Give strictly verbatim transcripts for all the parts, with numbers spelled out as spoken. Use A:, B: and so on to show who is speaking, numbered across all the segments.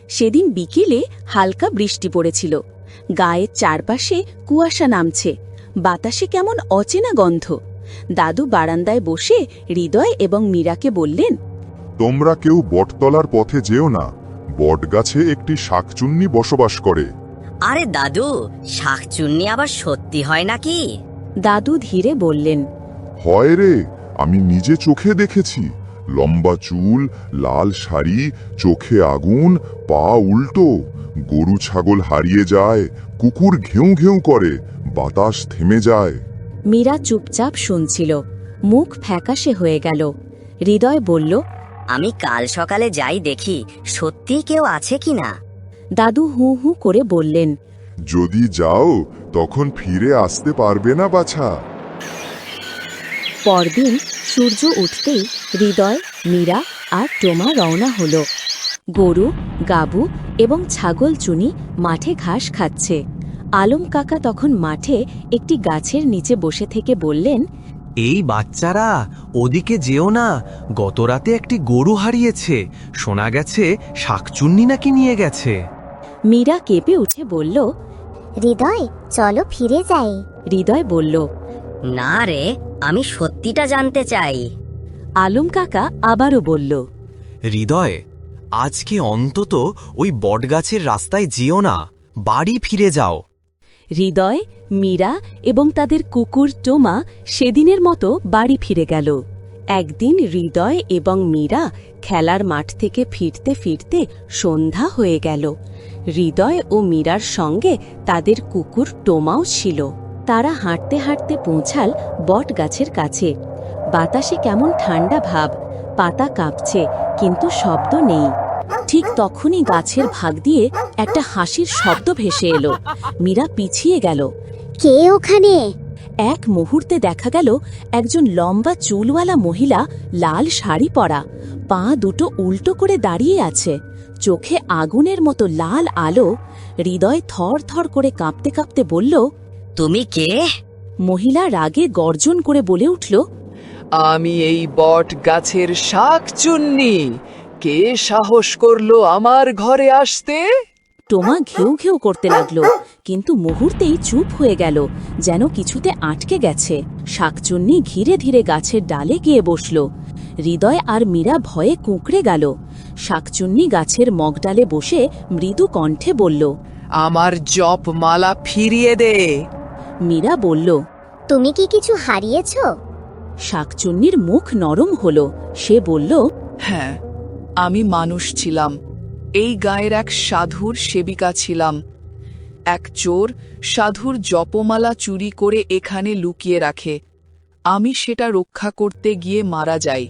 A: সেদিন বিকেলে হালকা বৃষ্টি পড়েছিল। গায়ের চারপাশে কুয়াশা নামছে, বাতাসে কেমন অচেনা গন্ধ। দাদু বারান্দায় বসে হৃদয় এবং মীরাকে বললেন,
B: তোমরা কেউ বটতলার পথে যেও না, বটগাছে একটি শাকচুন্নি বসবাস করে।
C: আরে দাদু, শাকচুন্নি আবার সত্যি হয় নাকি?
A: দাদু ধীরে বললেন,
B: হয় রে, আমি নিজে চোখে দেখেছি। লম্বা চুল, লাল শাড়ি, চোখে আগুন, পা উল্টো। গরু ছাগল হারিয়ে যায়, কুকুর ঘেউ ঘেউ করে, বাতাস থেমে যায়।
A: মীরা চুপচাপ শুনছিল, মুখ ফ্যাকাশে হয়ে গেল। হৃদয় বলল,
C: আমি কাল সকালে যাই দেখি সত্যি কেউ আছে কিনা।
A: দাদু হু হু করে বললেন,
B: যদি যাও তখন ফিরে আসতে পারবে না বাছা।
A: পরদিন সূর্য উঠতেই হৃদয়, মীরা আর টোমা রওনা হল। গরু, গাবু এবং ছাগল চুনি মাঠে ঘাস খাচ্ছে। আলম কাকা তখন মাঠে একটি গাছের নিচে বসে থেকে বললেন,
D: এই বাচ্চারা, ওদিকে যেও না। গতরাতে একটি গরু হারিয়েছে, শোনা গেছে শাকচুন্নি নাকি নিয়ে গেছে।
A: মীরা কেঁপে উঠে বলল,
E: হৃদয়, চলো ফিরে যাই।
A: হৃদয় বলল,
C: না রে, আমি সত্যিটা জানতে চাই।
A: আলম কাকা আবারও বলল,
D: হৃদয়, আজকে অন্তত ওই বটগাছের রাস্তায় যেও না, বাড়ি ফিরে যাও।
A: হৃদয়, মীরা এবং তাদের কুকুর টোমা সেদিনের মতো বাড়ি ফিরে গেল। একদিন হৃদয় এবং মীরা খেলার মাঠ থেকে ফিরতে ফিরতে সন্ধ্যা হয়ে গেল। হৃদয় ও মীরার সঙ্গে তাদের কুকুর টোমাও ছিল। তারা হাঁটতে হাঁটতে পৌঁছাল বট গাছের কাছে। বাতাসে কেমন ঠান্ডা ভাব, পাতা কাঁপছে, কিন্তু শব্দ নেই। ঠিক তখনই গাছের ভাগ দিয়ে একটা হাসির শব্দ ভেসে এলো। মীরা পিছিয়ে গেল।
E: কে ওখানে?
A: এক মুহূর্তে দেখা গেল একজন লম্বা চুলওয়ালা মহিলা, লাল শাড়ি পরা, পা দুটো উল্টো করে দাঁড়িয়ে আছে, চোখে আগুনের মতো লাল আলো। হৃদয় থর থর করে কাঁপতে কাঁপতে বলল,
C: তুমি কে?
A: মহিলা রাগে গর্জন করে বলে উঠল,
F: আমি এই বট গাছের শাকচুন্নি। কে সাহস করলো আমার ঘরে আসতে?
A: টোমা ঘেউ ঘেউ করতে লাগলো, কিন্তু মুহূর্তেই চুপ হয়ে গেল, যেন কিছুতে আটকে গেছে। শাকচুন্নি ধীরে ধীরে গাছের ডালে গিয়ে বসল। হৃদয় আর মীরা ভয়ে কুঁকড়ে গেল। শাকচুন্নি গাছের মগডালে বসে মৃদু কণ্ঠে বলল,
F: আমার জপ মালা ফিরিয়ে দে।
A: মীরা বলল,
E: তুমি কি কিছু হারিয়েছ?
A: শাকচুন্নির মুখ নরম হল। সে বলল,
F: হ্যাঁ, আমি মানুষ ছিলাম। এই গায়ের এক সাধুর সেবিকা ছিলাম। এক চোর সাধুর জপমালা চুরি করে এখানে লুকিয়ে রাখে। আমি সেটা রক্ষা করতে গিয়ে মারা যাই।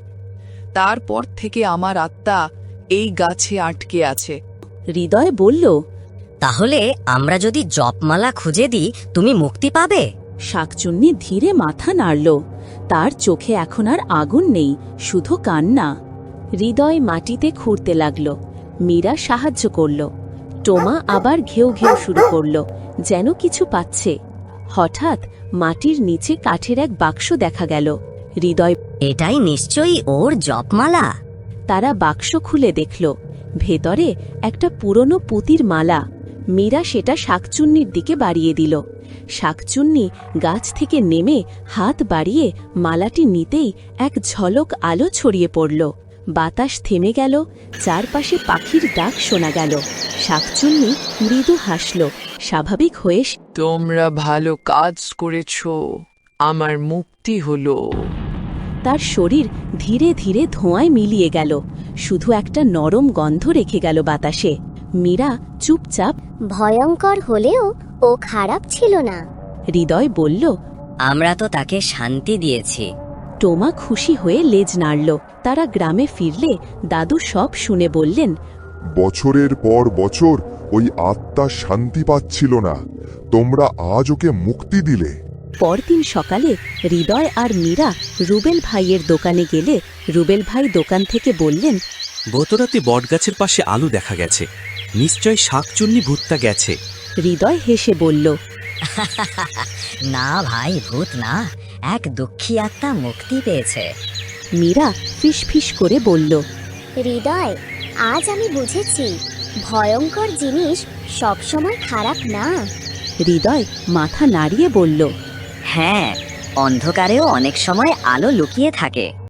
F: তারপর থেকে আমার আত্মা এই গাছে আটকে আছে।
A: হৃদয় বলল,
C: তাহলে আমরা যদি জপমালা খুঁজে দিই তুমি মুক্তি পাবে?
A: শাকচুন্নি ধীরে মাথা নাড়ল। তার চোখে এখন আর আগুন নেই, শুধু কান্না। হৃদয় মাটিতে খুঁড়তে লাগল। মীরা সাহায্য করল। টোমা আবার ঘেউ ঘেউ শুরু করল, যেন কিছু পাচ্ছে। হঠাৎ মাটির নিচে কাঠের এক বাক্স দেখা গেল। হৃদয়,
C: এটাই নিশ্চয়ই ওর জপমালা।
A: তারা বাক্স খুলে দেখল, ভেতরে একটা পুরনো পুঁতির মালা। মীরা সেটা শাকচুন্নির দিকে বাড়িয়ে দিল। শাকচুন্নি গাছ থেকে নেমে হাত বাড়িয়ে মালাটি নিতেই এক ঝলক আলো ছড়িয়ে পড়ল। বাতাস থেমে গেল, চারপাশে পাখির ডাক শোনা গেল। শাকচুন্নি মৃদু হাসল, স্বাভাবিক হয়ে।
F: তোমরা ভালো কাজ করেছ, আমার মুক্তি হলো।
A: তার শরীর ধীরে ধীরে ধোঁয়ায় মিলিয়ে গেল, শুধু একটা নরম গন্ধ রেখে গেল বাতাসে। মীরা চুপচাপ,
E: ভয়ঙ্কর হলেও ও খারাপ ছিল না।
A: হৃদয় বলল,
C: আমরা তো তাকে শান্তি দিয়েছি।
A: টোমা খুশি হয়ে লেজ নাড়ল। তারা গ্রামে ফিরলে দাদু সব শুনে বললেন,
B: বছরের পর বছর ওই আত্মা শান্তি পাচ্ছিল না, তোমরা আজ ওকে মুক্তি দিলে।
A: পরদিন সকালে হৃদয় আর মীরা রুবেল ভাইয়ের দোকানে গেলে রুবেল ভাই দোকান থেকে বললেন,
G: গতরাতে বটগাছের পাশে আলো দেখা গেছে, নিশ্চয় শাকচুন্নি ভূতটা গেছে।
A: হৃদয় হেসে বলল,
C: না ভাই, ভূত না, এক দুঃখী আত্মা মুক্তি পেয়েছে।
A: মীরা ফিস ফিস করে বলল,
E: হৃদয়, আজ আমি বুঝেছি ভয়ঙ্কর জিনিস সবসময় খারাপ না।
A: হৃদয় মাথা নাড়িয়ে বলল,
C: হ্যাঁ, অন্ধকারেও অনেক সময় আলো লুকিয়ে থাকে।